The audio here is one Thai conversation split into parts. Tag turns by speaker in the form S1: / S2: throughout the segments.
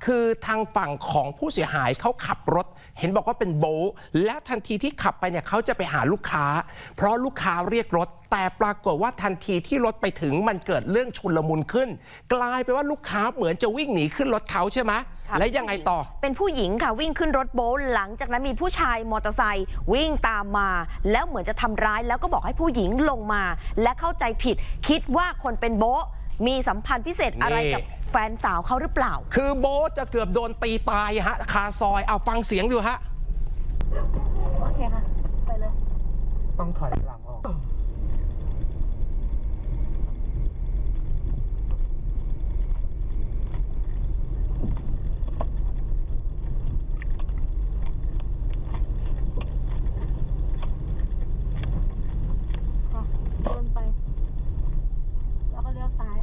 S1: คือทางฝั่งของผู้เสียหายเขาขับรถเห็นบอกว่าเป็นโบ๊ทและทันทีที่ขับไปเนี่ยเขาจะไปหาลูกค้าเพราะลูกค้าเรียกรถแต่ปรากฏว่าทันทีที่รถไปถึงมันเกิดเรื่องชุลมุนขึ้นกลายเป็นว่าลูกค้าเหมือนจะวิ่งหนีขึ้นรถเขาใช่ไหมและยังไงต่อ
S2: เป็นผู้หญิงค่ะวิ่งขึ้นรถโบ๊ทหลังจากนั้นมีผู้ชายมอเตอร์ไซค์วิ่งตามมาแล้วเหมือนจะทำร้ายแล้วก็บอกให้ผู้หญิงลงมาและเข้าใจผิดคิดว่าคนเป็นโบ๊ทมีสัมพันธ์พิเศษอะไรกับแฟนสาวเขาหรือเปล่า
S1: คือโบ๊ทจะเกือบโดนตีตายฮะคาซอยเอาฟังเสียงดูฮะ
S3: โอเคค่ะไปเลย
S4: ต้องถอยหลังออก
S3: เดินไปแล้วก็เลี้ยวซ้าย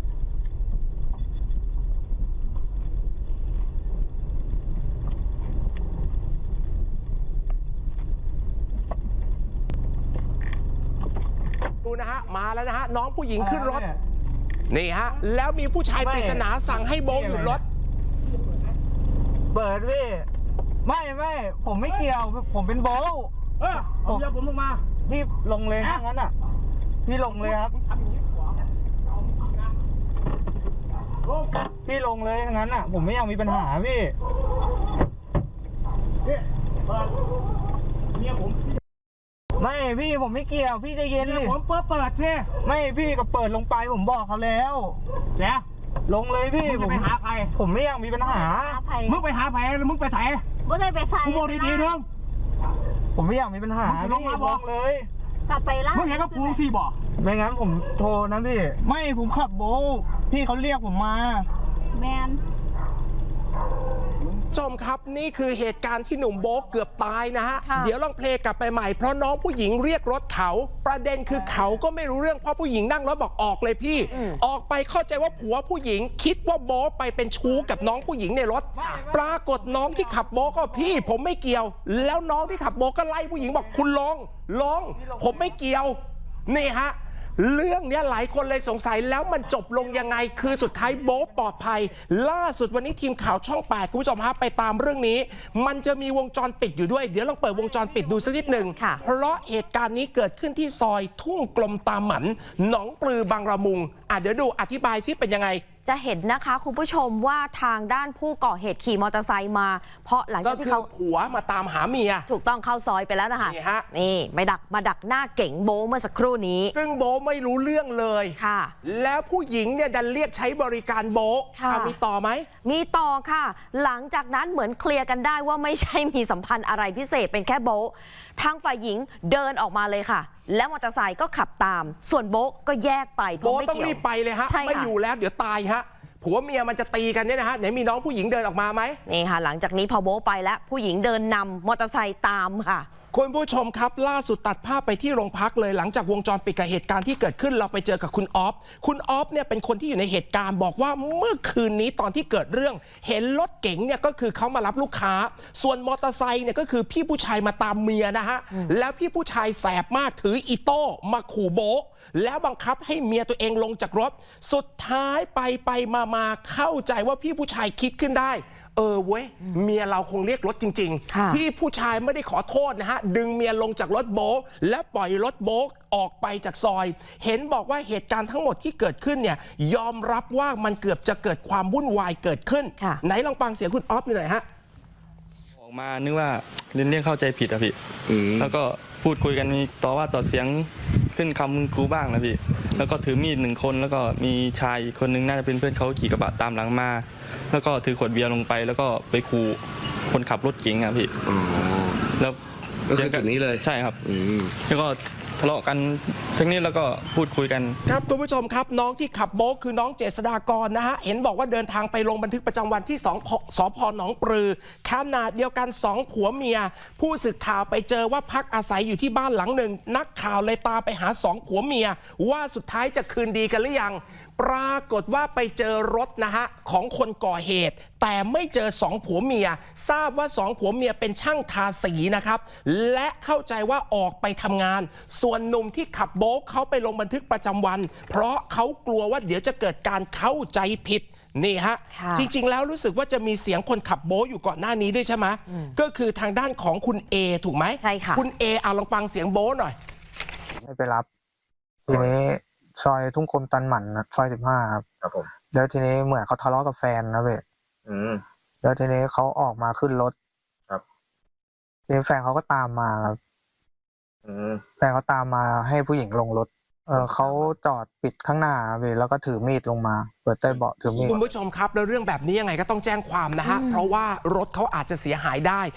S1: ดูนะฮะมาแล้วนะฮะน้องผู้หญิงขึ้นรถนี่ฮะแล้วมีผู้ชายปริศนาสั่งให้โบ๊ทหยุดรถ
S4: เปิดพี่ไม่ผมไม่เกี่ยวผมเป็นโบ๊ทผมจะผมลงมาพี่ลงเลยงั้นอ่ะพี่ลงเลยครับพี่ลงเลยงั้นอ่ะผมไม่อยากมีปัญหาพี่ไม่พี่ผมไม่เกี่ยวพี่ใจเย็นดิผมเปิดพี่ไม่พี่ก็เปิดลงไปผมบอกเขาแล้วเนี่ยลงเลยพี่ผมไปหาใครผมไม่อยากมีปัญหามึงไปหาใครหรือมึงไปไหน
S3: ไม่ได้ไปใส่
S4: กูบอกดีๆเถอะผมไม่อยากมีปัญหาพี่บอกเลย
S3: กลับไปล่ะ
S4: มึงเห็นกับกูสิบอกไม่งั้นผมโทรนะพี่ไม่ผมขับโบ๊ทพี่เขาเรียกผมมา
S3: แมน
S1: ชมครับนี่คือเหตุการณ์ที่หนุ่มโบ๊ทเกือบตายนะฮะเดี๋ยวลองเพลงกลับไปใหม่เพราะน้องผู้หญิงเรียกรถเขาประเด็นคือเขาก็ไม่รู้เรื่องเพราะผู้หญิงนั่งรถบอกออกเลยพี่ออกไปเข้าใจว่าผัวผู้หญิงคิดว่าโบ๊ทไปเป็นชู้กับน้องผู้หญิงในรถปรากฏน้องที่ขับโบ๊ทก็พี่ผมไม่เกี่ยวแล้วน้องที่ขับโบ๊ทก็ไล่ผู้หญิงบอกคุณลงผมไม่เกี่ยวนี่ฮะเรื่องนี้หลายคนเลยสงสัยแล้วมันจบลงยังไงคือสุดท้ายโบ๊ทปลอดภัยล่าสุดวันนี้ทีมข่าวช่อง 8คุณผู้ชมฮะไปตามเรื่องนี้มันจะมีวงจรปิดอยู่ด้วยเดี๋ยวลองเปิดวงจรปิดดูสักนิดหนึ่งเพราะเหตุการณ์นี้เกิดขึ้นที่ซอยทุ่งกลมตาหมันหนองปลือบางระมุงเดี๋ยวดูอธิบายซิเป็นยังไง
S2: จะเห็นนะคะคุณผู้ชมว่าทางด้านผู้ก่อเหตุขี่มอเตอร์ไซค์มาเพราะหลังจากที่เขา
S1: ผัวมาตามหาเมีย
S2: ถูกต้องเข้าซอยไปแล้วนะคะนี่มาดักหน้าเก๋งโบ๊ทเมื่อสักครู่นี้
S1: ซึ่งโบ๊ทไม่รู้เรื่องเลย
S2: ค่ะ
S1: แล้วผู้หญิงเนี่ยดันเรียกใช้บริการโบ๊ทมีต่อไหม
S2: มีต่อค่ะหลังจากนั้นเหมือนเคลียร์กันได้ว่าไม่ใช่มีสัมพันธ์อะไรพิเศษเป็นแค่โบ๊ททางฝ่ายหญิงเดินออกมาเลยค่ะแล้วมอเตอร์ไซค์ก็ขับตามส่วนโบ๊ทก็แยกไป
S1: โบ๊ทต้องรีบไปเลยฮะไม่อยู่แล้วเดี๋ยวตายฮะผัวเมียมันจะตีกันเนี่ยนะฮะไหนมีน้องผู้หญิงเดินออกมาไหม
S2: นี่ค่ะหลังจากนี้พอโบ๊ทไปแล้วผู้หญิงเดินนำมอเตอร์ไซค์ตามค่ะ
S1: คุณผู้ชมครับล่าสุดตัดภาพไปที่โรงพักเลยหลังจากวงจรปิดกับเหตุการณ์ที่เกิดขึ้นเราไปเจอกับคุณออฟเนี่ยเป็นคนที่อยู่ในเหตุการณ์บอกว่าเมื่อคืนนี้ตอนที่เกิดเรื่องเห็นรถเก๋งเนี่ยก็คือเขามารับลูกค้าส่วนมอเตอร์ไซค์เนี่ยก็คือพี่ผู้ชายมาตามเมียนะฮะแล้วพี่ผู้ชายแสบมากถืออีโต้มาขู่โบ๊ทแล้วบังคับให้เมียตัวเองลงจากรถสุดท้ายไปมาเข้าใจว่าพี่ผู้ชายคิดขึ้นได้เว้ยเมียเราคงเรียกรถจริงๆพี่ผู้ชายไม่ได้ขอโทษนะฮะดึงเมียลงจากรถโบ๊ทและปล่อยรถโบ๊ทออกไปจากซอยเห็นบอกว่าเหตุการณ์ทั้งหมดที่เกิดขึ้นเนี่ยยอมรับว่ามันเกือบจะเกิดความวุ่นวายเกิดขึ้นไหนลองฟังเสียงคุณออฟหน่อยฮะ
S5: ออกมานึกว่าเรื่องเข้าใจผิดอะพี่แล้วก็พูดคุยกันมีต่อว่าต่อเสียงขึ้นคำกูบ้างนะพี่แล้วก็ถือมีด1 คนแล้วก็มีชายอีกคนนึงน่าจะเป็นเพื่อนเขาขี่กระบะตามหลังมาแล้วก็ถือขวดเบียร์ลงไปแล้วก็ไปขู่คนขับรถเก๋งอะพี่แล้ว
S6: ก็คือจุดนี้เลย
S5: ใช่ครับแล้วก็ทะเลาะกันทั้งนี้แล้วก็พูดคุยกัน
S1: ครับคุณผู้ชมครับน้องที่ขับโบ๊ทคือน้องเจษฎากรนะฮะเห็นบอกว่าเดินทางไปลงบันทึกประจำวันที่สพ.หนองปลือขณะเดียวกัน2 ผัวเมียผู้สื่อข่าวไปเจอว่าพักอาศัยอยู่ที่บ้านหลังหนึ่งนักข่าวเลยตามไปหา2 ผัวเมียว่าสุดท้ายจะคืนดีกันหรือยังปรากฏว่าไปเจอรถนะฮะของคนก่อเหตุแต่ไม่เจอ2 ผัวเมียทราบว่า2 ผัวเมียเป็นช่างทาสีนะครับและเข้าใจว่าออกไปทำงานส่วนหนุ่มที่ขับโบ๊ทเขาไปลงบันทึกประจำวันเพราะเขากลัวว่าเดี๋ยวจะเกิดการเข้าใจผิดนี่ฮะ
S2: ค่ะ
S1: จริง ๆ แล้วรู้สึกว่าจะมีเสียงคนขับโบ๊ทอยู่ก่อนหน้านี้ด้วยใช่ไหมก็คือทางด้านของคุณเอถูกไหม
S2: ใช่ค่ะ
S1: คุณเอลองฟังเสียงโบ๊ทหน่อย
S6: ไม่ไปรับ ทีนี้ซอยทุ่งคมตันหมันนะซอย15ครับ
S7: ครับผม
S6: แล้วทีนี้เหมือนเขาทะเลาะกับแฟนนะเว้ย
S7: อืม
S6: แล้วทีนี้เขาออกมาขึ้นรถ
S7: ครับ
S6: ทีนี้แฟนเขาก็ตามมาครับ
S7: อืม
S6: แฟนเขาตามมาให้ผู้หญิงลงรถเขาจอดปิดข้างหน้าเว้ยแล้วก็ถือมีดลงมาเปิดใต้เบาะถือมีด
S1: คุณผู้ชมครับแล้วเรื่องแบบนี้ยังไงก็ต้องแจ้งความนะฮะเพราะว่ารถเขาอาจจะเสียหายได้